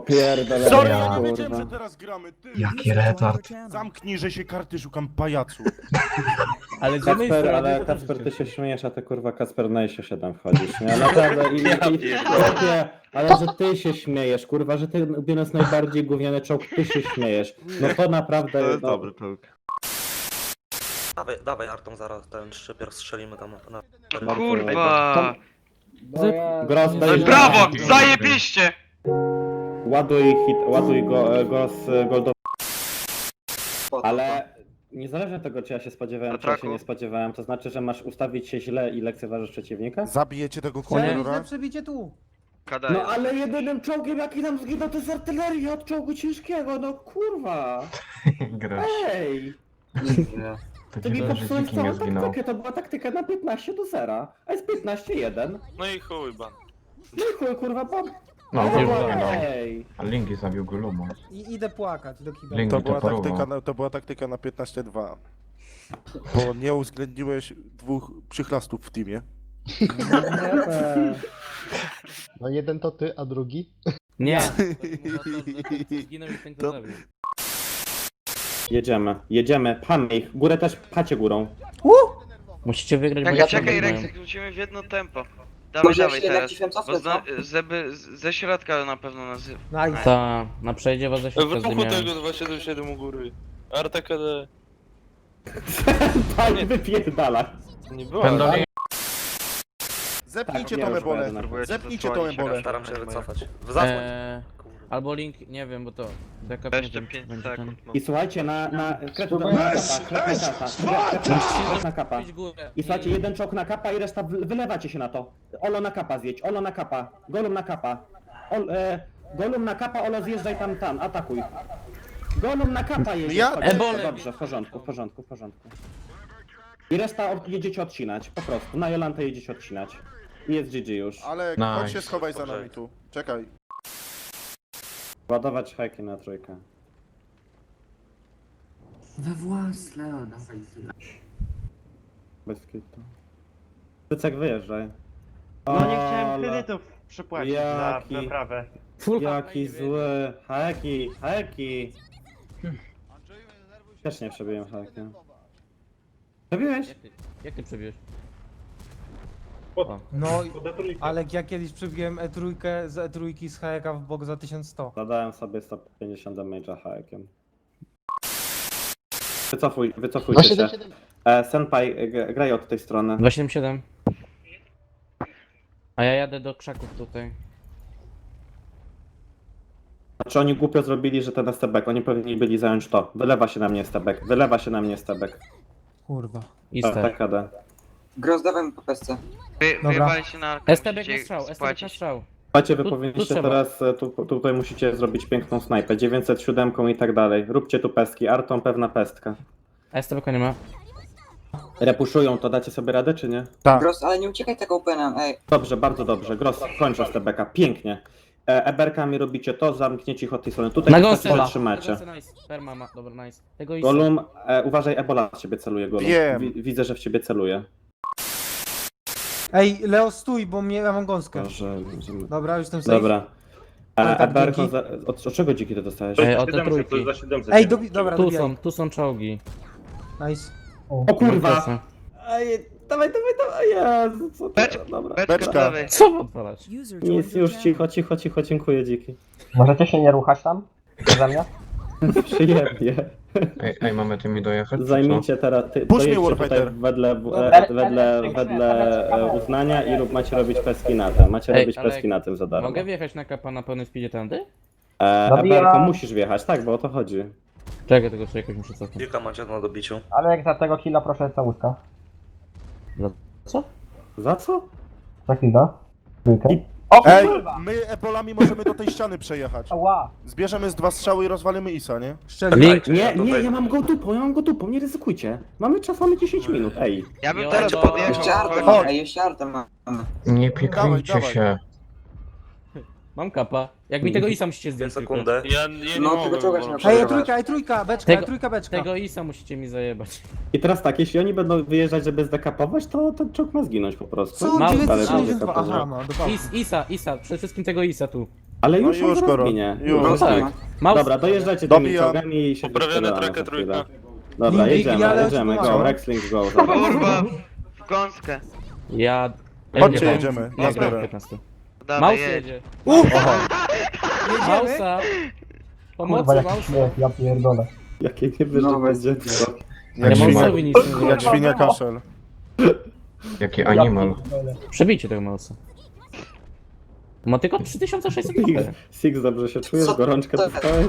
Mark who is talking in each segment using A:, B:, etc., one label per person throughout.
A: pierdolę.
B: Sorry,
C: Ja.
B: ja nie wiedziałem,
A: kurwa.
B: że teraz gramy, ty!
C: Jaki retard.
B: Zamknij, że się karty szukam, pajacu.
D: Ale z jednej
A: Kacper,
D: strony
A: ale
D: to też
A: Kacper, ty
D: jest
A: się śmiejesz, a ty kurwa Kacper na ISO 7 wchodzisz, nie? Naprawdę, chłopie, ale że ty się śmiejesz, kurwa, że ty biorąc najbardziej gówniany czołg, ty się śmiejesz. No to naprawdę,
E: To jest
A: no,
E: dobry czołg.
F: Dawaj Artą, zaraz ten szczypior strzelimy tam na...
G: Kurwa!
A: Gross,
G: No
A: daj,
G: i brawo! Zajebiście!
A: ładuj go z goldowy. Ale niezależnie od tego, czy ja się spodziewałem, czy ja się nie spodziewałem, to znaczy, że masz ustawić się źle i lekceważysz przeciwnika?
B: Zabijecie tego
D: Nie.
B: kurwa?
H: przebicie tu.
G: KD
A: No
G: jest.
A: ale jedynym czołgiem jaki nam zginął to jest artyleria od czołgu ciężkiego, no kurwa!
C: Grasz.
A: Ej!
C: To
A: Ty
C: ci
A: mi
C: zależy, że
A: popsułeś
C: dziki nie
A: całą
C: zginął.
A: taktykę, to była taktyka na 15-0, a jest 15-1.
G: No i chuj ban.
A: No i chuj, kurwa, bo...
C: No,
D: Nie
C: nie
D: było.
C: zginął.
A: Ej!
C: A Linki zabił go Lumo.
H: I idę płakać do kibela.
C: Linki
B: To
C: to
B: była taktyka
C: porwał.
B: to była taktyka na 15-2. Bo nie uwzględniłeś dwóch przychlastów w teamie.
I: No jeden to ty, a drugi?
D: Nie. Zginął i ten to zabił.
A: Jedziemy, pchamy ich, górę też pchacie górą.
D: Musicie wygrać, bo
G: Jak
D: ja
G: czekaj
D: przegrałem.
G: Rex, jak wrócimy w jedno tempo. Dawaj, dawaj teraz. Bo ze środka na pewno nas...
H: Nice.
D: Ta, na przejdzie was ze środka zdymiałem.
G: 277 u góry. Arta KD.
A: Pani wypierdala.
G: Nie było.
C: Pendolino.
B: Zepnijcie
A: Tak,
B: tą
A: ja już
B: ebolę.
A: pojadę na-
B: Zepnijcie tą ebolę.
F: Staram się wycofać. Zasłoń.
D: Albo link, nie wiem, bo to... Deka
G: Jeszcze 5 sekund.
A: I słuchajcie, na kretę na kapa.
D: Idź górę.
A: I słuchajcie, jeden czołg na kapa i reszta wylewacie się na to. Olo na kapa zjedź, Olo na kapa, Golum na kapa. Golum na kapa, Olo zjeżdżaj tam, atakuj. Golum na kapa jedzie.
B: Ja-
A: chodźcie.
D: Ebole.
A: Dobrze, w porządku. I reszta jedziecie odcinać, po prostu. Na Jolantę jedziecie odcinać. I jest GG już.
B: Ale
C: Nice.
B: chodź się schowaj za nami tu. Czekaj.
A: Ładować hajki na trójkę. Bez kitu. Tycek wyjeżdżaj.
E: No nie chciałem
A: Ola.
E: kredytów przypłacić
A: Jaki-
E: za naprawę.
A: Jaki zły. Haki. Też nie przebiłem hakiem. Przebiłeś?
D: Jak ty przebiłeś?
H: No, ale jak ja kiedyś przebiłem E3 z E3 z HK w bok za 1100.
A: Zadałem sobie 150 damage'a hakiem. Wycofujcie się. Senpai, graj od tej strony.
D: 277. A ja jadę do krzaków tutaj.
A: Znaczy oni głupio zrobili, że ten stebek, oni powinni byli zająć to. Wylewa się na mnie stebek.
H: Kurwa.
D: I
A: Tak,
D: ster.
A: tak, KD.
F: Gros, dawaj po pesce.
G: Wyjebali się na arkę.
D: STB na
G: musicie
D: strzał, STB na
G: spłacić.
D: strzał.
A: Słuchajcie, wy
D: Tu
A: powinniście
D: trzeba.
A: teraz, tutaj musicie zrobić piękną snajpę, 907 i tak dalej. Róbcie tu pestki, Artą pewna pestka.
D: STB nie ma.
A: Repuszują, to dacie sobie radę, czy nie?
F: Gros, ale nie uciekaj tego openem, ej.
A: Dobrze, bardzo dobrze. Gross, kończę stebeka, pięknie. Eberkami robicie to, zamknięcie ich od tej strony. Tutaj
D: Na
A: się
D: gąsce.
A: zatrzymacie.
D: Nice. Perma ma, dobra, nice. Tego i
A: Golum, uważaj, Ebola w ciebie celuje, Golum.
B: Wiem.
A: Widzę, że w ciebie celuje.
H: Ej, Leo stój, bo ja mam gąskę.
A: Dobrze,
H: Dobra, już jestem safe.
A: dobra.
H: Ale tak,
A: Eberko,
H: dzięki.
A: od czego dziki ty dostałeś?
D: Od te trójki.
H: Ej, dobra,
D: Tu
H: dobijaj.
D: są, tu są czołgi.
H: Nice.
A: O kurwa!
D: Proszę.
A: Ej, dawaj, Jezu, co to? Dobra.
G: Beczka,
B: Beczka.
G: dawaj.
D: Co odpalać?
A: Nic, już cicho, dziękuję dziki.
I: Możecie się nie ruchać tam? Za mnie?
A: Przyjemnie.
C: Ej, mamy tymi dojechać? czy co?
A: Zajmijcie teraz,
B: Puść mnie,
A: dojedźcie tutaj
B: Warfighter.
A: wedle uznania i macie robić peski na tym. Macie
D: Ej,
A: robić
D: ale
A: peski na tym za darmo.
D: Mogę wjechać na kapa na pełnym speedzie tędy?
A: Eberko, musisz wjechać, tak, bo o to chodzi.
D: Czekaj, tego sobie jakoś muszę cofnąć.
F: Kilka macie na dobiciu.
I: Ale jak za tego killa proszę całuska.
D: Co?
A: Za co?
I: Za killa. Trójkę.
A: I-
I: O
B: Ej,
I: kurwa!
B: my ebolami możemy do tej ściany przejechać.
I: Ała!
B: Zbierzemy z 2 strzały i rozwalimy Isa, nie?
H: Szczerze.
D: Link.
A: Nie, ja mam go dupą, nie ryzykujcie. Mamy czas, mamy 10 minut, ej.
G: Ja bym
D: Jo,
G: teraz
D: jo.
G: podjechał.
F: Jeszcze Artem,
G: chodź.
F: ej, jeszcze Artem mamy.
C: Nie piekajcie
B: Dawaj.
C: się.
D: Mam kapa. Jak mi tego isa musicie zdjąć tylko.
F: Sekundę.
G: Ja nie
F: No,
G: mogę,
F: tego czołga się
G: bo-
F: nie
H: Ej,
F: przerywać.
H: E3, beczka,
D: Tego-
H: E3, beczka.
D: Tego isa musicie mi zajebać.
A: I teraz tak, jeśli oni będą wyjeżdżać, żeby zdekapować, to ten czołg ma zginąć po prostu.
H: Co?
D: Mam-
A: Dalej
H: 962,
A: będzie
H: aha,
A: kapował.
H: ma, do pałki.
D: Isa, przede wszystkim tego isa tu.
A: Ale
B: No
A: już
B: już
A: on
B: go
A: rozwinie.
B: już.
F: No
D: tak.
F: tak.
D: Mouse.
A: Dobra, dojeżdżacie tymi
B: Dobijam.
A: czołgami i się
J: Poprawiona
A: wystrzelamy
J: trojka,
A: za chwilę.
J: trójka.
A: Dobra,
H: Lindy,
A: jedziemy,
H: ale
A: jedziemy,
H: odpływamy.
A: go, Rexling go. Zobacz.
G: Kurwa, w gąskę.
D: Ja...
B: Chodźcie,
D: Ja
B: jedziemy.
D: Ja
B: Ja
D: gram w
B: biorę.
D: 15.
G: Dawaj,
D: Mouse
G: jedź.
D: jedzie.
B: Oho.
H: Jedziemy?
D: Mausa.
I: Kurwa,
D: Pomocy,
I: jaki
D: Mausa.
I: śmiech, ja pierdolę.
A: Jakie niewyżyte dziecko.
D: Ja
B: Jak świnia,
D: Mausowi nic nie
B: jak
D: zrobię.
B: świnia kaszel.
C: Jaki animal.
D: Przebijcie tego Mausa. Ma tylko 3600 HP.
A: Six, dobrze się czujesz?
F: Co
A: Gorączkę
F: to-
A: dostałeś?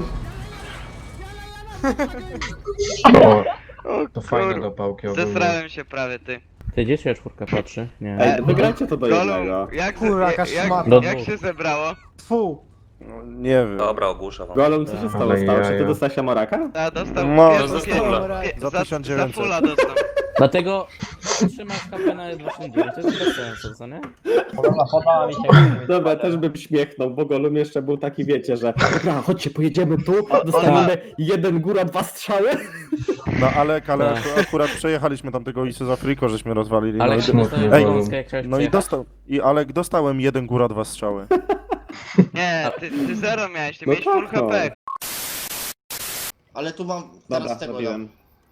C: O,
G: O
C: to fajne
G: kurwa.
C: do pałki ogólnie.
G: Zesrałem się prawie, ty.
D: Ty, gdzie się czwórka patrzy? Nie.
A: Ej, wygrajcie to do jednego.
G: Golum, jak,
H: Kurwa, jaka szmata.
D: Do
G: jak
D: dwóch.
G: się zebrało?
H: Tfu.
B: No, nie wiem.
F: Dobra, ogłuszę wam.
A: Golum, co się stało?
C: Ale
A: Stało się? Ty
C: jaja.
A: dostałeś Amoraka?
G: A, dostał
B: No,
G: pierwszy-
J: za fulla.
B: Za
G: za
B: 1900.
G: fulla dostał.
D: Dlatego trzymasz HP na 29. To jest bez sensu, co nie?
I: Podała mi się.
A: Dobra, też bym śmiechnął, bo Golum jeszcze był taki, wiecie, że dobra, chodźcie, pojedziemy tu, dostaniemy jeden góra, 2 strzały.
B: No ale
D: Tak.
B: akurat przejechaliśmy tamtego Isy z Afriko, żeśmy rozwalili.
D: Ale
B: no,
D: jak
B: i,
C: smutnie,
D: dostałeś
C: Golum.
D: gąskę, jak chciałeś
B: no i
D: przejechać?
B: Alek dostałem 1 góra, 2 strzały.
G: Nie, ty zero miałeś, ty
A: No
G: miałeś full
A: tak, no.
G: HP.
K: Ale tu mam
A: Dobra,
K: teraz tego
A: zrobiłem.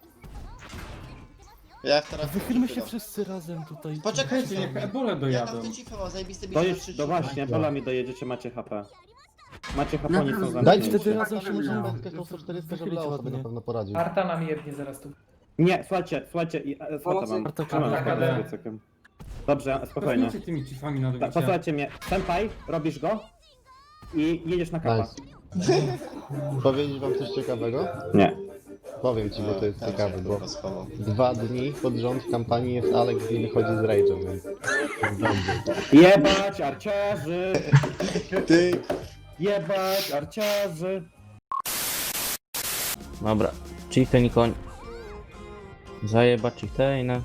K: Ja teraz
J: Wychylmy się wszyscy razem tutaj.
K: Poczekajcie, niech ebole
J: Ja
K: dojadą.
J: tam
K: Ja tam te cify mam zajebiste
A: Dojedź,
K: bicie
A: no właśnie, bolami dojedziecie, macie HP. Macie HP, oni są
K: Dajcie
A: zamknięci.
J: wtedy razem się możemy
K: żeby Leo sobie na pewno poradził.
H: Arta nam jebnie zaraz tu.
A: Nie, słuchajcie, swata mam.
J: Arta
A: Trzymam
H: Arta
A: spokojnie
H: KD.
A: z piecykiem. Dobrze, spokojnie.
H: tymi cifami na
A: Tak, posłuchajcie mnie. Senpai, robisz go i jedziesz na kapa.
K: Nice. Powiedzieć wam coś ciekawego?
A: Nie.
K: Powiem ci, bo to jest ciekawe, bo 2 dni pod rząd w kampanii jest Alex i wychodzi z Rage'em, więc jest dobrze.
A: Jebać arciarzy!
K: Ty!
A: Jebać arciarzy!
D: Dobra. Chieftain i koń. Zajebać Chieftaina.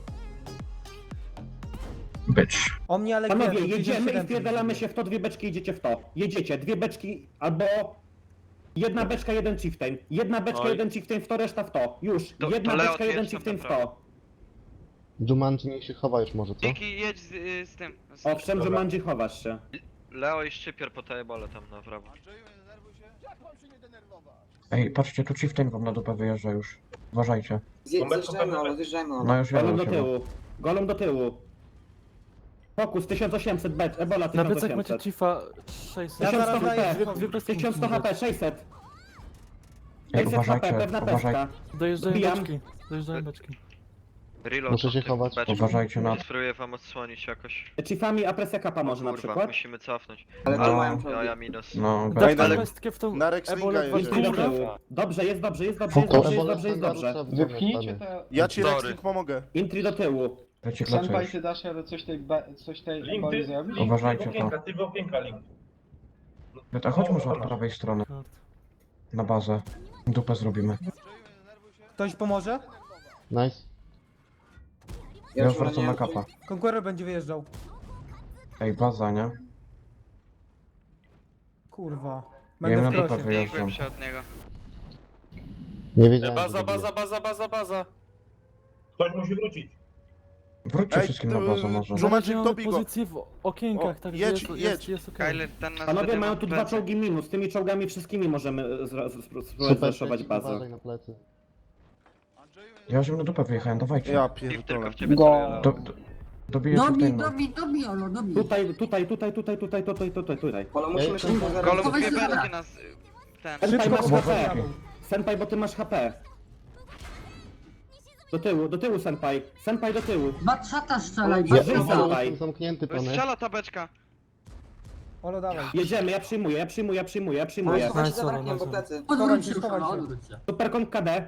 C: Bitch.
H: O mnie ale
A: Panowie,
H: nie,
A: jedziemy i
H: 57
A: wpierdalamy się w to, 2 beczki idziecie w to. Jedziecie, 2 beczki albo... 1 beczka, 1 chieftain. 1 beczka,
J: Oj.
A: 1 chieftain w to, reszta w to. Już.
G: To
A: 1
G: Leo,
A: beczka,
G: ty
A: 1
G: jedź tam
A: chieftain w
G: naprawdę.
A: to.
K: Jumanji niech się chowa już może, co?
G: Dzięki, jedź z tym.
A: Owszem, że Mandzi chowasz się.
J: Leo i szczypior po tej bole tam na prawo.
C: Ej, patrzcie, tu Chieftain wam na dupę wyjeżdża już. Uważajcie.
F: Zjeżdżajmy, Olo, zjeżdżajmy, Olo.
C: No już
A: Golem
C: jadą
A: do
C: chyba.
A: tyłu. Golem do tyłu. Fokus 1800 becz, Ebola
J: Na plecach macie
A: 1800.
J: Chifa 600.
H: Ja
A: 1100
H: zaraz daję
A: HP, 1100 HP, 600.
C: Ej,
A: 600 HP,
C: uważajcie,
A: pewna
C: uważajcie.
A: pestka.
J: Dojeżdżają
A: Dobijam.
J: beczki. Dojeżdżają beczki.
G: Reload.
K: Muszę się chować.
C: Uważajcie na to.
J: Spróbuję wam odsłonić jakoś.
A: Chiefami, a presja kapa
J: O
A: może na
J: kurwa,
A: przykład.
J: musimy cofnąć.
F: Ale
C: No.
F: to mają
J: Ja
F: czołgi.
J: minus.
C: No,
J: Daj
B: ale-
J: pestkę w tą
B: na Rexlinga
J: ebolę
B: jedzie.
A: Idź do
J: 20.
A: tyłu. Dobrze, jest dobrze, jest dobrze, jest
C: Fokus.
A: dobrze, jest dobrze, jest dobrze.
K: Wypchnijcie
B: Ja ci
J: Sorry.
B: Rexling pomogę.
A: Intri do tyłu.
C: leci lecę już.
K: dasz radę coś tej eboli zrobić?
C: Uważajcie to. A chodź może od prawej strony. Na bazę. Dupę zrobimy.
H: Ktoś pomoże?
K: Nice.
C: Ja już wracam na kapa.
H: Conqueror będzie wyjeżdżał.
C: Ej, baza, nie?
H: Kurwa.
C: Ja
H: Będę
C: na
H: w
C: dupę
H: krosie.
C: wyjeżdżam.
G: Biegłem się od niego.
K: Nie wiedziałem.
J: Baza,
K: że
J: baza, baza, baza, baza.
C: Wróćcie
B: Ej,
C: wszystkim na bazę może.
B: Jumanji,
J: Mamy
B: dobij go.
J: pozycję w okienkach,
B: O,
J: także
B: jedź,
J: jest,
B: jedź.
J: jest okej.
G: Kyler, ten nas
A: Panowie
G: wtedy
A: mają
G: ma
A: tu 2
G: plecy.
A: czołgi minus, tymi czołgami wszystkimi możemy spróbować
K: Super,
A: zreszować bazę.
K: uważaj na plecy.
C: Ja już na dupę wyjechałem, dawajcie.
B: Ja
G: Steve tylko
B: pierdolę.
G: w ciebie celuje.
C: Dobiję Chieftaina.
A: Tutaj.
F: Olo, musimy szybko zaraz.
G: Golub, 2 beczki nas... ten...
A: Senpai masz
C: Szybko,
A: HP.
C: chłopaki.
A: Senpai, bo ty masz HP. Do tyłu Senpai. Senpai do tyłu.
L: Batrzata strzelaj,
K: Ja
A: Żyj,
L: batrzata.
A: Senpai.
K: jestem zamknięty, panie.
G: Strzela ta beczka.
H: Olo, dawaj.
A: Jedziemy, ja przyjmuję.
F: Ale schowaj się
J: Nice,
F: za barakiem,
J: nice.
F: bo plecy.
L: Odwróć się,
H: Schowaj się.
L: odwróć się.
A: Super koń KD.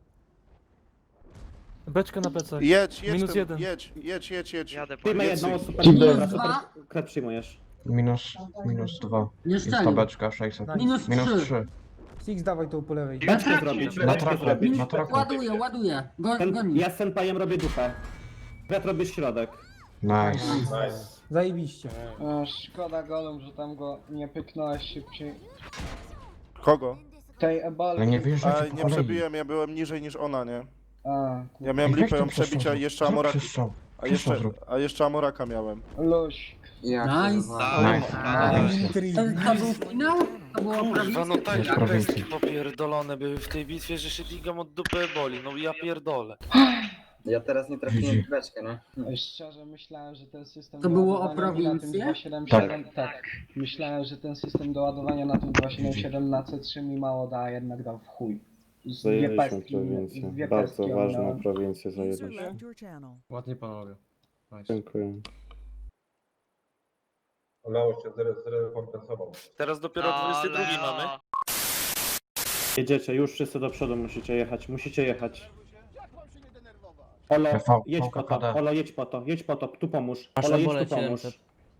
J: Beczka na plecach.
B: Jedź,
J: Minus
B: tym,
J: 1.
B: jedź.
G: Jadę po
A: Przyjmę
B: Jedź,
A: jedną
B: Sig.
A: super
K: Dzień
A: dobra,
L: dobry.
A: super kret przyjmujesz.
C: Minus 2.
L: Nie
C: Jest
L: strzelił.
C: tabeczka 600.
L: Minus
C: Minus
L: 3.
C: 3.
H: Six dawaj tu po lewej.
A: Beczkę zrobić,
C: Na
A: beczkę
C: traku,
A: zrobić.
C: na traku.
L: Ładuję, ładuję. Goni.
A: Ja z Senpaiem robię dupę. Kret robisz środek.
C: Nice.
H: Zajebiście.
K: Szkoda Golem, że tam go nie pyknąłeś szybciej.
B: Kogo?
K: Tej eboli.
C: Ale nie wyjeżdżajcie po
B: Nie
C: kolei.
B: przebiłem, ja byłem niżej niż ona, nie? Ja
C: Ej,
B: miałem
C: weź
B: lipę
C: to
B: ją przebić, a
C: przestrzał.
B: jeszcze
C: Zrób
B: Amoraka,
C: przestrzał.
B: a jeszcze Amoraka miałem.
K: Luś.
F: Ja
L: Nice. To był finał? To było prawie?
J: No tak,
C: Jest prowincji.
J: popierdolone były w tej bitwie, że się digam od dupy boli, no ja pierdolę.
F: Ja teraz nie trafiłem w beczkę, nie?
I: No szczerze myślałem, że ten system
L: To było o
I: doładowania na tym
L: prowincję?
I: 277, tak. Myślałem, że ten system doładowania na tym 277 na C3 mi mało da, a jednak dał w chuj. Z dwie pestki, dwie pestki ominąłem.
B: prowincję zajęliśmy.
H: Ładnie panowie.
B: Dziękuję.
J: Teraz dopiero 22 mamy.
A: Jedziecie, już wszyscy do przodu musicie jechać. Olo,
C: TV,
A: jedź po to,
C: KD.
A: Olo, jedź po to, tu pomóż.
D: Masz
A: Olo, jedź
D: ebole
A: tu pomóż.
D: 700.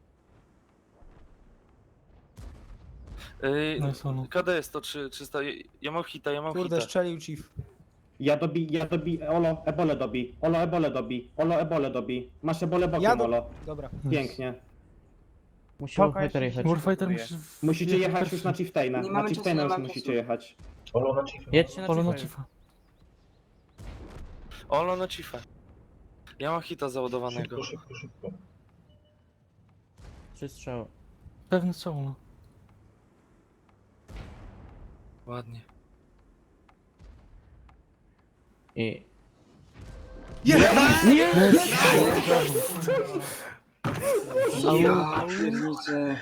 J: KD jest to 300, ja mam hita,
H: Kurde, strzelił Chief.
A: Ja dobi, Olo, ebole dobi. Masz ebole bokiem, Olo.
H: Dobra.
A: Pięknie.
D: Musi Warfighter jechać.
J: Warfighter
A: Musicie jechać już na Chieftaina.
F: Nie
A: Na
F: mamy
A: Chieftaina
F: czasu,
A: już
F: nie mamy
A: musicie
F: czasu.
A: jechać.
D: Jedźcie na Chifa.
J: Olo na Chifa. Ja mam hita załadowanego.
D: 3 strzały.
J: Pewnie są. Ładnie.
D: I...
F: Ja pierniczę.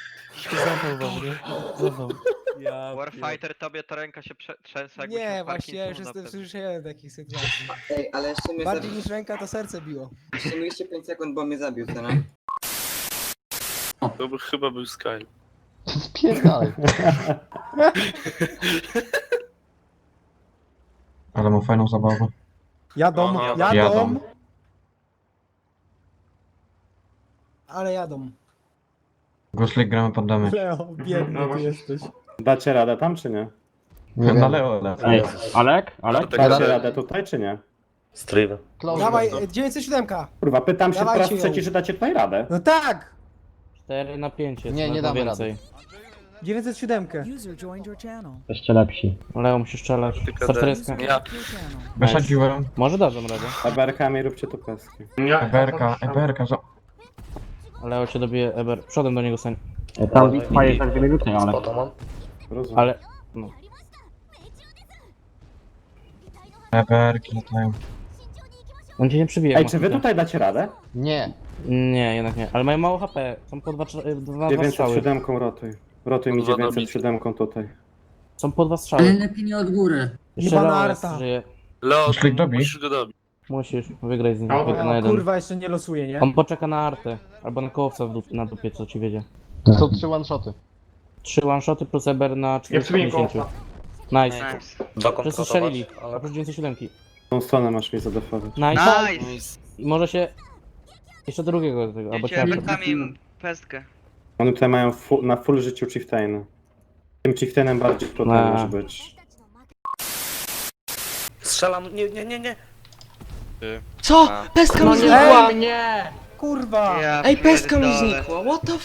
G: Warfighter, tobie ta ręka się trzęsła, jakbyś
H: Nie,
G: miał
H: właśnie ja już
G: Parkinsona
H: jestem
G: pewnie.
H: przyzwyczajony do takich sytuacji.
F: Ej, ale jeszcze mnie
H: Bardziej
F: zabił.
H: niż ręka to serce biło.
F: Jeszcze mieliście 5 sekund, bo mnie zabił, co nie?
J: To by chyba był Sky.
K: Spierdalaj.
C: Ale mam fajną zabawę.
H: Jadą.
C: Jadą.
H: Ale jadą.
C: Goslik gramy pod damy.
H: Leo, biedny ty jesteś.
A: Dacie radę tam czy nie?
C: Nie na Leo, Leo.
D: Alek?
A: Dacie radę tutaj czy nie?
H: Dawaj, 907.
A: Kurwa, pytam się po
H: Dawajcie
A: raz
H: ją.
A: trzeci, czy dacie tutaj radę.
H: No tak!
D: 4 na 5 jest.
K: Nie, nie damy
D: więcej.
H: 907.
I: Jeszcze lepsi.
D: Leo musi strzelać. 140.
J: Ja.
C: Wysadziłem.
D: Może dadzą radę.
A: Eberkami róbcie tu peski.
C: Eberka,
D: Leo cię dobije Eber. Przodem do niego stań.
I: Tam bitwa jest tak wiele minuty, ale...
A: Rozumiem.
D: Ale... No.
C: Eberki latają.
D: On cię nie przybije.
A: Ej, czy wy tutaj dacie radę?
K: Nie.
D: Nie, jednak nie. Ale mają mało HP. Są po 2 strzały.
A: 907 rotuj. Rotuj mi
J: Dwa
A: 907 tutaj.
D: Są po 2
L: Ale
D: strzały.
L: lepiej nie od góry.
D: Jeszcze
H: Jebana
D: Leo jest,
H: arta.
D: żyje.
J: Leo,
C: Goslik dobi.
J: musisz go dobić.
D: Musisz wygrać z nim.
H: O,
D: Na jeden.
H: kurwa, jeszcze nie losuje, nie?
D: On poczeka na artę. Albo na kołowca na dupie, co ci wiedzie.
K: Są 3 one-shoty.
D: 3 one-shoty plus Eber na 450. Nice.
G: Nice.
D: Wszyscy strzelili. Oprócz 907.
A: Tą stronę masz mi zadefować.
D: Nice.
G: Nice!
D: I może się... Jeszcze drugiego do tego, albo
G: Wiecie,
D: cię.
G: rękami pestkę.
A: Oni tutaj mają na full życiu Chieftaina. Tym Chieftainem bardziej tutaj
D: No.
A: może być.
J: Strzelam, nie.
G: Co?
J: Pestka mi
H: znikła! Kurwa!
G: Ja Ej, pestka mi znikła.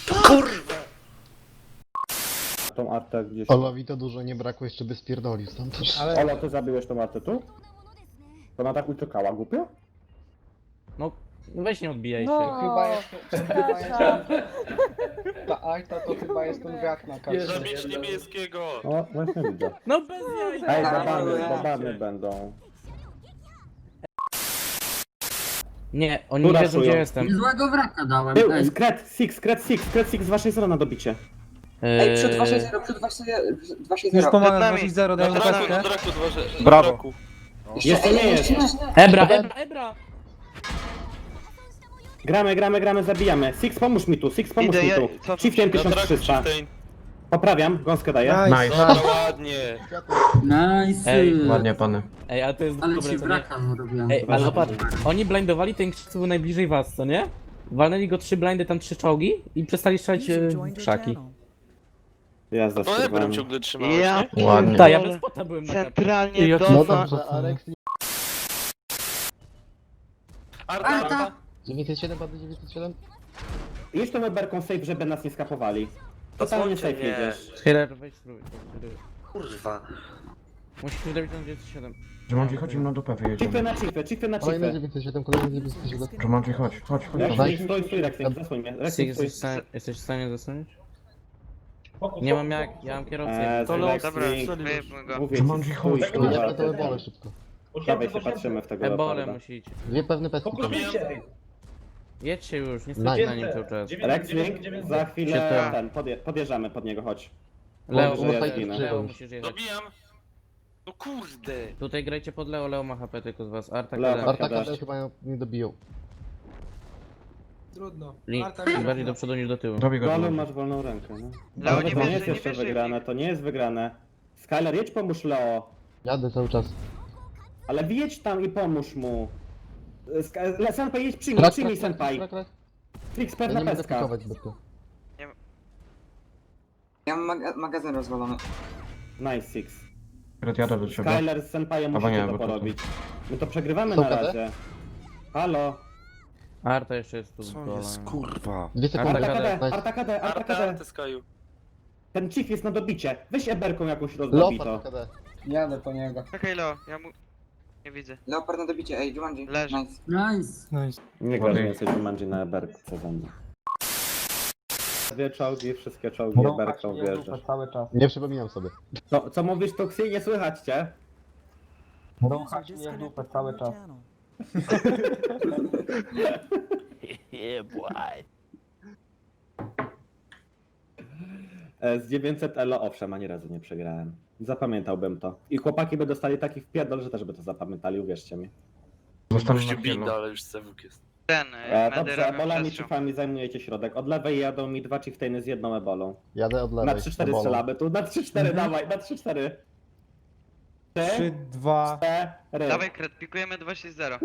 A: Tą artę gdzieś.
K: Olowi to dużo nie brakło, jeszcze by spierdolił stąd.
H: Ale
A: Olo, ty zabiłeś tą artę tu? To ona tak uciekała, głupio?
D: No, weź nie odbijaj się.
I: Chyba jest... Ta Arta to chyba jest ten brak na karcie.
J: Zabić niebieskiego!
A: O, właśnie widzę.
D: No bez jaj.
A: Ej, babany będą.
D: Nie, oni
A: Tu
D: nie wiedzą
A: raszują.
D: gdzie jestem.
L: Złego wraka dałem.
A: Był,
L: Ej,
A: Kret Six z waszej strony dobicie.
F: Ej, przed 260, przed 260.
H: już pomagam
G: nami.
H: 260, daj mu
J: Na draku,
H: peskę.
J: dwa.
B: Brawo.
A: Jest, to nie jest.
D: Ebra!
A: Gramy, zabijamy. Six, pomóż mi tu.
G: Idę, ja-
A: tu.
G: co-
A: Chieftain
J: Na draku
A: 1300.
J: Chieftain.
A: Poprawiam, gąskę daję.
H: Nice.
J: Dobra, ładnie.
L: nice.
D: Ej,
C: Ładnie, pany.
D: Ej, ale to jest
L: Ale
D: dobre,
L: ci
D: co nie?
L: braka zrobiłem.
D: Ej, ale patrz, oni blindowali ten krzyk, co był najbliżej was, co nie? Walnęli go 3 blindy, tam 3 czołgi i przestali strzelać w krzaki.
A: Jazda,
J: To Ebrem
A: spróbowałem.
J: ciągle trzymałeś,
G: Ja
J: nie?
C: Ładnie.
D: Tak, ja bez spota byłem na kapie.
G: centralnie do...
K: No dobrze, Arek.
J: Arta.
K: 907 padł 907?
A: Jedź tą Eberką safe, żeby nas nie skapowali. Totalnie safe jedziesz.
D: Healer, weź spróbuj.
J: Kurwa.
D: Musisz dobić na 97.
C: Jumanji, chodzimy na dupę,
A: Chiefy
C: wyjedziemy.
A: na chiefy, chiefy na
K: Kolejny
A: chiefy.
K: 907, kolejny 907.
C: Jumanji, chodź.
A: Rexing, stój, Rexing, zasłoń mnie. Rexing, stój.
D: Jesteś w stanie zasłonić? Nie mam jak, ja mam kierowcę.
G: Dobra,
A: Rexing,
G: wyjebmy go.
A: mówię
C: Jumanji,
A: ci,
C: chodź.
A: stój,
K: Ja
A: kurwa.
K: to ebole szybko.
A: Dawaj się patrzymy w tego
D: Ebole
A: leoparda.
D: musicie.
K: Dwie pewne pestki.
D: Jedźcie już, nie
K: Nice.
D: stójcie na nim cały czas.
A: Rexing, za chwilę
D: Siedem.
A: ten, podjeżdżamy pod niego, chodź.
D: Leo,
A: Dobrze, ja
K: fajnie
A: zginę.
K: przyjął.
D: Leo musisz jechać.
J: Dobijam! No kurde!
D: Tutaj grajcie pod Leo, Leo ma HP tylko z was. Arta,
A: Leo,
D: Leo.
K: Artaka
A: Dasz.
K: też chyba nie dobiją.
H: Trudno.
D: Link, bardziej do przodu niż do tyłu.
C: Dobij go,
A: Golem
C: Jumanji.
A: masz wolną rękę, no.
G: Leo,
A: Ale
G: nie
A: to nie
G: wierzy,
A: jest
G: nie
A: jeszcze
G: wierzy.
A: wygrane, to nie jest wygrane. Skyler, jedź pomóż Leo.
K: Jadę cały czas.
A: Ale wjedź tam i pomóż mu. Senpai, jedź przyjmij Senpai. Trix,
K: Ja
A: pewna
K: nie mogę
A: pestka.
K: pikować zbytnio.
F: Ja mam magazyn rozwalony.
A: Nice, Six.
C: Red, jadę do ciebie.
A: Skyler z Senpaiem
C: Albo
A: musicie
C: nie,
A: to
C: bo to-
A: porobić. My to przegrywamy
K: Są
A: na
K: KD?
A: razie. Halo.
D: Arta jeszcze jest tu z
B: Co
D: golem.
B: jest, kurwa?
K: 2 sekundy.
D: Arta
A: Arta KD,
K: Nice.
A: Arta KD, Arta
J: Arta,
A: KD.
J: Arta Skyu.
A: Ten chief jest na dobicie. Weź eberką jakąś rozdobito.
K: Leopard KD.
I: Jadę po niego.
G: Czekaj, Leo, ja mu... Nie widzę.
F: Leopard na dobicie, ej, Jumanji.
G: Leży.
F: Nice.
L: Nice.
A: Nie grasz więcej Jumanji na eberce ze mną. Dwie czołgi, wszystkie czołgi eberką wjeżdżasz.
I: Cały czas.
K: Nie przypominam sobie.
A: Co mówisz, Tuxi? Nie słychać cię.
I: Rąchać mnie w dupę cały czas.
A: Z 900 elo owszem, ani razu nie przegrałem. Zapamiętałbym to. I chłopaki by dostali taki wpierdol, że też by to zapamiętali, uwierzcie mi.
C: Zostałem
J: Gościu
C: na
J: binda,
C: chwilę.
J: ale już cewuk jest.
G: Ten,
A: Dobrze,
G: robią
A: ebolami
G: przestrzał.
A: chiefami zajmujecie środek. Od lewej jadą mi dwa chieftainy z jedną ebolą.
K: Jadę od
A: Na
K: lewej.
A: 3-4
K: ebolą.
A: strzelamy tu, na 3-4 dawaj, na 3-4.
H: 3, 2.
A: 4.
G: Dawaj, kret, pikujemy 260.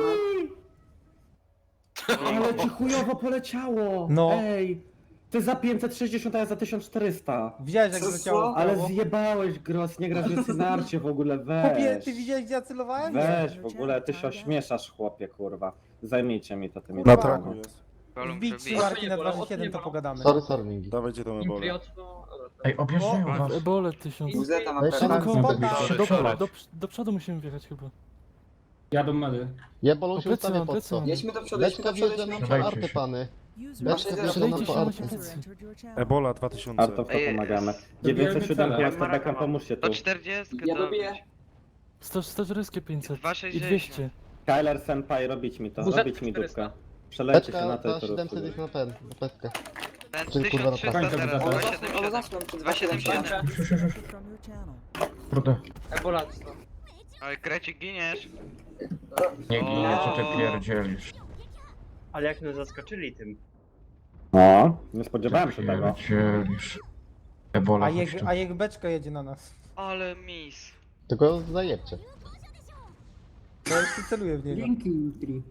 A: Ale ci chujowo poleciało!
H: No.
A: Ej! Ty za 560, a ja za 1400.
H: Widziałeś jak
F: Co,
H: leciało w
A: Ale
H: prawo?
A: zjebałeś, Gros, nie grasz więcej na arcie w ogóle,
H: Chłopie,
A: weź.
H: ty widziałeś gdzie ja celowałem?
A: Weź, w ogóle ty się ośmieszasz, chłopie, kurwa. Zajmijcie mi to tymi
B: Na
A: dwoma.
B: traku jest.
G: Golum
H: Wbić 3
G: przebije.
H: marki na 267 to pogadamy.
K: Sorry, Mingi.
B: Dawajcie tą ebolę.
C: Ej, objeżdżają was.
J: Ebole 1000.
F: Uzeta ma
K: Weź
F: pewno.
K: tam
H: Spoko.
J: Do przodu musimy wjechać chyba.
I: Jadą medy.
K: Jebolo się ustawia pod to.
F: Jedźmy do przodu, jedźmy
K: Beczka
F: do przodu,
K: wjeżdża
F: jedźmy
K: nam
F: do
K: po
C: Dawajcie
K: arty,
C: się.
K: pany.
F: Masz
K: Beczka
F: jeden.
K: wjeżdża nam po arty.
B: Ebola 2000.
A: Arto w to
G: Ej,
A: pomagamy.
I: dobijamy
A: 907
I: cele.
A: ja z Tebechem, pomóżcie tu.
G: Do 40
F: Ja dobiję.
J: 140 500
G: 260.
J: i 200.
A: Kyler Senpai, robić mi to,
I: Uzet
A: robić mi dupkę. Przelejcie się
K: Beczka
A: na to i
K: za
A: to
K: 700 jest
A: rozsudujcie.
K: na pestkę.
G: Ten
K: Czyli kurwa na
G: 1300
I: prawo.
G: teraz,
I: Ole,
G: 277.
F: zaszłem przed
G: 277.
C: Kurde.
G: Oj, krecik, giniesz.
C: Nie ginie, co ty pierdzielisz.
E: Ale jak nas zaskoczyli tym.
A: No, nie spodziewałem się tego.
C: Pierdzielisz. Ebola, chodź tu.
H: A jak beczka jedzie na nas.
G: Ale mis.
K: Tylko zajebcie.
H: To ja się celuję w niego.
L: Dzięki, Jutri.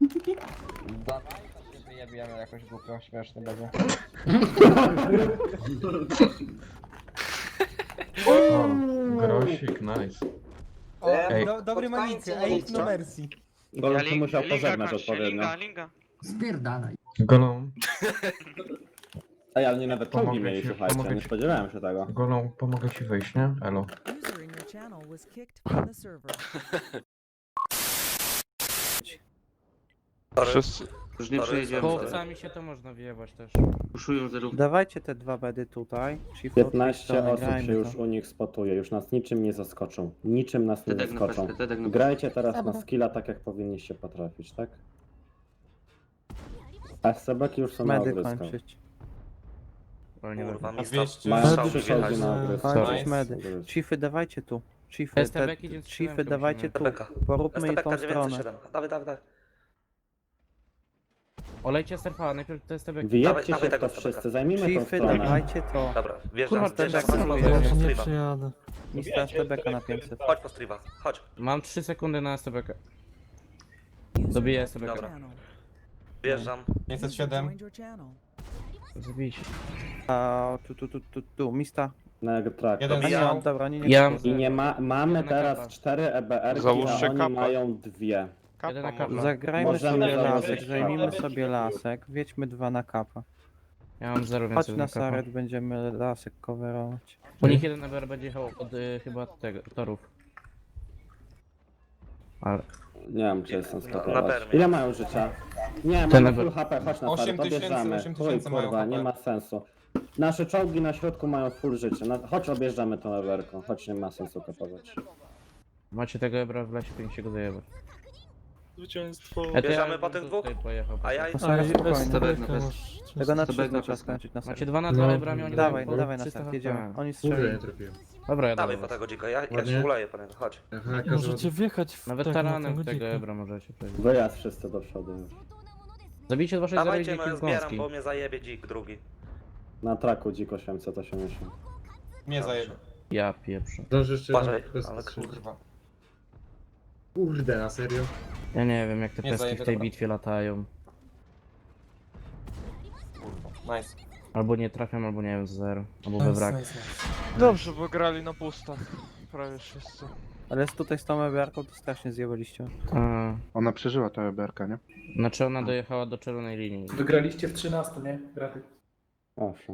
F: Wyjebiemy jakoś głupio, śmieszny będzie.
C: O, grosik, nice.
H: O,
C: Ej.
H: dobry
F: Pod koniec
H: manicy,
F: nie
H: ej,
F: wiem,
H: no
F: co?
H: mercy.
A: Golem tu musiał
G: Linga
A: pożegnać
G: kończy,
A: odpowiednio.
G: Linga.
L: Spierdalaj.
C: Golą,
A: Ej, ale nie nawet czołgi
C: Pomogę
A: mieli,
C: ci,
A: słuchajcie,
C: pomogę
A: nie
C: ci.
A: spodziewałem się tego.
C: golą, pomogę ci wyjść, nie? Elo.
B: Wszyscy.
E: Już nie przyjedziemy.
D: Kołowcami się to można wyjebać też.
E: Puszują zerów.
J: Dawajcie te dwa bedy tutaj.
A: 15 osób się już u nich spotuje, już nas niczym nie zaskoczą. Niczym nas nie
E: Tedek na
A: zaskoczą.
E: pestkę, Tedek na
A: Grajcie teraz na skilla tak, jak powinniście potrafić, tak? A SCB-ki już są na ogryskach.
J: Kurwa,
A: Mają 3 czołgi na ogryskach.
J: medy. Chiefy, dawajcie tu.
D: STB idzie
J: Chiefy, dawajcie tu. Poróbmy tą stronę.
D: Olejcie surfa, najpierw to STB.
A: Wyjedźcie się w to wszyscy, zajmijmy tą
J: Chiefy,
A: stronę.
J: dawajcie to.
E: Dobra,
D: Kurwa,
J: STB
D: celuje.
J: nie przyjadę. Mista STB na 500.
E: Chodź po streama, chodź.
D: Mam 3 sekundy na STB. Dobiję STB.
E: Dobra. Wjeżdżam.
H: 507.
D: Zabijcie.
J: A tu, Mista.
A: Na track.
H: Jeden
E: Dobijam.
H: zajął.
J: Dobra, nie
D: Ja
A: I nie mamy
D: Jedna
A: teraz
D: kapa.
A: 4 EBR-ki,
B: Załóżcie
A: a oni
B: kapę.
A: mają 2.
D: Jeden na kapa.
J: Zagrajmy
A: Możemy
J: sobie
A: założyć
J: lasek, zajmijmy
A: kapę.
J: sobie lasek, wiedźmy 2 na kapa.
D: Ja mam 0
H: Chodź
D: więcej
H: na
D: na kapa.
H: Saret, będziemy lasek coverować.
D: U nich jeden EBR będzie jechał od chyba tego, torów. Ale...
A: Nie wiem, czy jestem
E: Na
A: skapować.
E: bermie.
A: Ile mają życia? Nie,
D: Ten
A: mamy
D: level.
A: full HP, chodź na
H: 8
A: start,
H: tysięcy,
A: objeżdżamy.
H: 8
A: Chuj,
H: tysięcy mają
A: kurwa,
H: HP.
A: nie ma sensu. Nasze czołgi na środku mają full życie. Chodź objeżdżamy tą lewerką, chodź, nie ma sensu kapować.
D: Macie tego EBR w lesie, powinien się go zajebać.
J: Zwycięstwo.
E: Bierzemy po tych dwóch? A ja
H: Na Saret spokojnie. Tego na 300
F: Stebek
H: trzeba skończyć na Saret.
D: Macie 2 na 2 EBRami, oni
H: Dawaj,
D: mają
H: dawaj na
D: 300
H: start,
D: HP.
H: jedziemy. Oni strzelają.
D: Dobra, ja
E: dawaj
D: dawaj.
E: po tego dzika, ja się uleję po niego, chodź.
J: Możecie wjechać w
D: Na weteranem tego EBRA możecie przejść.
A: Wyjazd wszyscy do przodu już.
D: Zabijcie 2 6 0
E: Dawajcie,
D: i
E: no
D: dziki
E: zbieram,
D: gąski.
E: bo mnie zajebie dzik drugi.
A: Na traku dzik 880.
C: Nie zajebę.
D: Ja pieprzę.
E: Uważaj, ale kurwa.
C: Kurde, na serio?
D: Ja nie wiem jak te
C: Nie
D: peski
C: zajebie,
D: w tej
C: dobra.
D: bitwie latają.
C: Nice.
D: Albo nie trafiam, albo nie wiem, z 0. Albo we wrak.
G: Dobrze, bo grali na pusta. Prawie wszyscy.
H: Ale tutaj z tą EBR-ką to strasznie zjebaliście.
D: A,
B: Ona przeżyła ta EBR-ka, nie?
D: znaczy ona dojechała do czerwonej linii.
J: Wygraliście w 13, nie? Graty.
A: Owszem.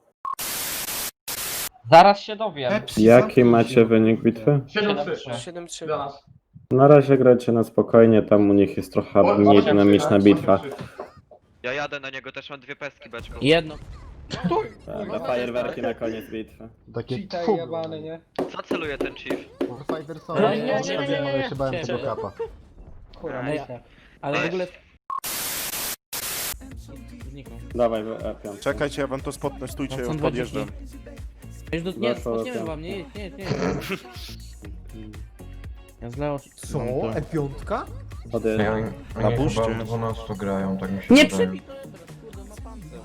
F: Zaraz się dowiem.
A: Jaki macie wynik bitwy?
F: 7-3.
A: Na razie grajcie na spokojnie, tam u nich jest trochę mniej dynamiczna bitwa.
G: Ja jadę na niego, też mam 2 pestki beczką.
D: Jedno.
A: Tak, fajerwerki na koniec bitwy.
K: Takie
I: Cheater jebany, nie?
G: Co celuje ten chief?
K: Fighter są,
D: Nie, nie, nie, nie, nie.
K: ja się bałem tego
D: Ciebie.
K: kapa.
I: Kurwa,
D: Ej,
I: myślę.
D: ale w ogóle... Zniknął.
A: Dawaj, piąt.
B: Czekajcie, ja wam to spotnę, stójcie,
D: Są
B: już
D: dwa
B: podjeżdżam.
D: Nie, nie,
A: Weszło
D: spotniemy
A: piątka.
D: wam, nie, nie, nie. Ja zleo...
H: Co? E5?
A: Podjeżdżam.
B: Na buście.
C: 12 grają, tak mi się
D: Nie
C: wydaje.
D: przebij to! Kurde, ma pancerz.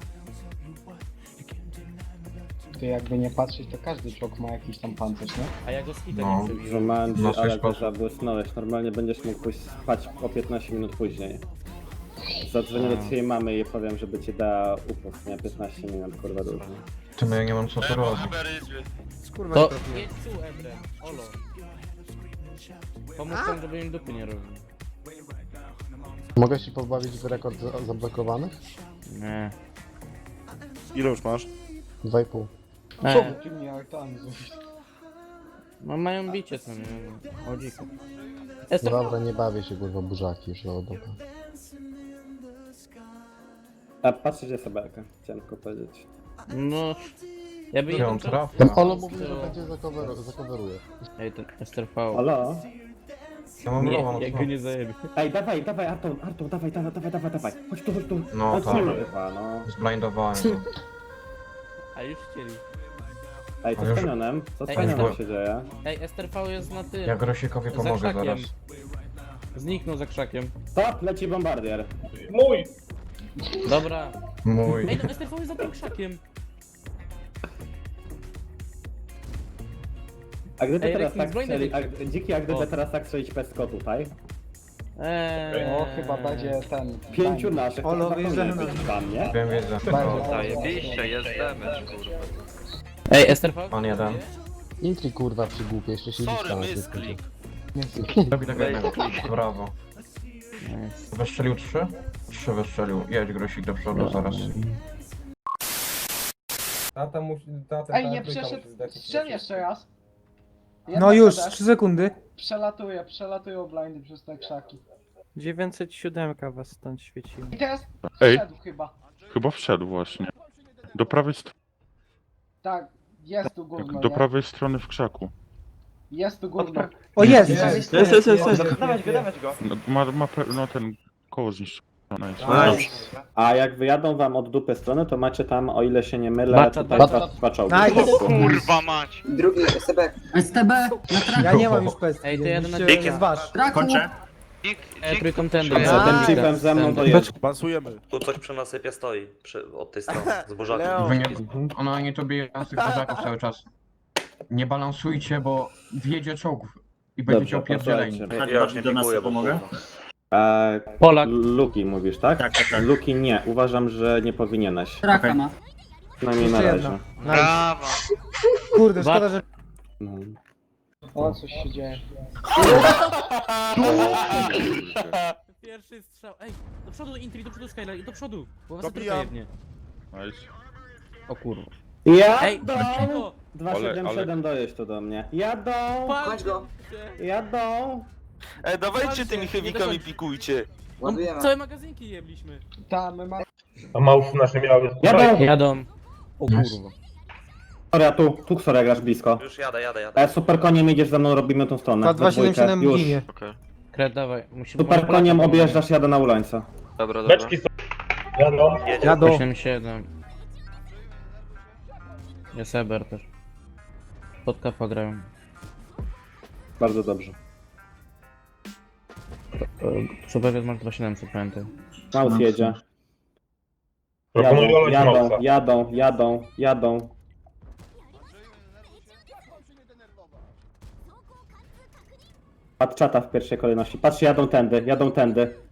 I: To jakby nie patrzeć, to każdy czołg ma jakiś tam pancerz, nie?
D: A ja go z hitem
C: No.
D: nie przebiłem.
A: Żumanji,
C: Na swój
A: ale go
C: sposób.
A: zabłysnąłeś. Normalnie będziesz mógł pójść spać o 15 minut później. Zadzwonię do twojej mamy i powiem, żeby ci dała upust, nie? 15 minut, kurwa dużo.
C: Ty, no ja nie mam co tu robić.
H: Kurwa,
D: To
H: nie trafiłem.
D: jedź tu, Ebrem. Olo. Pomóż tam, żeby im dupy nie robili.
K: Mogę się pozbawić w rekord zablokowanych?
D: Nie.
B: Ile już masz?
K: 2,5.
I: Ty mnie autami zrobisz.
D: No mają bicie co nie? O dziku.
K: No dobra, nie bawię się kurwa burzaki już, no dobra.
A: A patrzcie, gdzie Sebelka, chciałem tylko powiedzieć.
D: No... Ja by
C: Ja
D: jeden
C: on trafił.
K: Ten Olo mówi, że będzie zacoveruje.
D: Ej, ten STRV.
A: Halo?
C: Ja mam
D: Nie,
C: rowa,
D: jak
C: no
D: go
C: co?
D: nie zajebie.
A: Ej, dawaj, Artur, dawaj. Chodź tu.
C: No tak.
A: Kurwa, no.
C: Zblindowałem to.
D: A już chcieli.
A: Ej, co
C: Ale
A: z
C: już-
A: kanionem? Co z
D: Ej,
A: kanionem
C: jest-
A: się dzieje?
D: Ej, STRV jest na tym.
C: Ja Grosikowi
D: Za
C: pomogę
D: krzakiem.
C: zaraz.
D: Zniknął za krzakiem.
A: Stop, leci bombardier.
D: Dobra.
C: Mój.
D: Ej, no STRV jest za tym krzakiem.
A: A gdyby
D: Ej,
A: teraz
D: Rekin,
A: tak
D: zbroń
A: strzelić,
D: do
A: Dziki, a
D: O.
A: gdyby teraz tak strzelić pestko tutaj?
I: O, chyba będzie ten...
A: 5 naszych,
H: Olo,
A: to
H: wyjeżdżamy
A: zapomnij
H: na-
A: być tam, nie?
C: Wiem, wiedzę.
G: Zajebiście, jest damage, kurwa.
D: Ej, STRV?
C: On jeden.
K: Intri kurwa przygłupie, jeszcze się
J: Sorry,
K: liczka
J: misklik.
C: Robi tego jednego. Brawo.
D: Nice.
C: Wystrzelił 3? 3 wystrzelił. Jedź Grosik do przodu zaraz.
H: Tata musi...
I: Ej, nie przeszedł... Strzel jeszcze raz. Jedna
H: No już,
I: CD.
H: 3 sekundy.
I: Przelatują blindy przez te krzaki.
H: 907 was stąd świeciło.
I: I teraz
M: Ej.
I: wszedł chyba.
M: Chyba wszedł właśnie. Do prawej,
I: Tak, jest tu gówno,
M: do
I: nie?
M: prawej strony w krzaku.
I: Jest tu gówno.
H: O jest!
E: Dawać go.
M: No, no ten koło zniszczone jest.
A: A jak wyjadą wam od dupy strony, to macie tam, o ile się nie mylę,
D: Bacza,
A: tutaj
K: bacza.
A: dwa czołgi.
H: Nice.
G: Kurwa mać!
F: Drugi Sebek.
L: STB na traku.
H: Ja nie mam już pestki.
D: Ej, to jadę na
H: musicie
D: dzikie.
H: zważ.
L: Traku.
D: Trójkontender.
A: Ten chipem ze mną dojeżdża.
B: Bansujemy.
E: Tu coś przy nasypie stoi, od tej strony, z burzakiem.
C: Wy nie... Ona nie to bije z tych burzaków cały czas. Nie balansujcie, bo wjedzie czołgów. I będziecie
A: Dobrze,
C: opierdzieleni.
A: posłuchajcie.
E: Ja już nie pikuję, bo kurwa.
D: Polak.
A: Luki mówisz, tak? Tak. Luki nie, uważam, że nie powinieneś.
L: Traka ma.
A: Przynajmniej na
H: Jeszcze
A: razie.
H: jedna. Nice.
G: Brawa!
H: Kurde, szkoda, że...
A: No.
I: O, coś się dzieje.
D: Pierwszy strzał. Ej, do przodu Intri, do przodu Skyline, do przodu. Bo was
B: Dobijam.
D: tylko jednie.
M: Nice.
D: O kurwa. Ej,
A: Jadą!
D: dlaczego?
A: 277 dojeść tu do mnie. Jadą!
F: Chodź go.
A: Jadą!
J: Dawajcie tymi heavykami pikujcie.
F: Ładujemy.
D: Całe magazynki jebliśmy.
I: Tam, my mamy...
A: Jadą!
D: Jadą. O kurwa.
A: Sorry, tu sorry, grasz blisko.
E: Już jadę.
A: Super koniem idziesz ze mną, robimy tą stronę. we dwójkę.
H: 277
A: Już.
H: ginie.
J: Okej.
D: Kret, dawaj. Musimy
A: Super koniem objeżdżasz, jadę na ulańca.
J: Dobra, dobra.
H: Jadą.
D: 8-7. Jest Eber też. Pod kapa grają.
A: Bardzo dobrze.
D: Super jest masz 2700, pamiętaj.
A: Maus jedzie. Jadą. Patrz czata w pierwszej kolejności. Patrz, jadą tędy.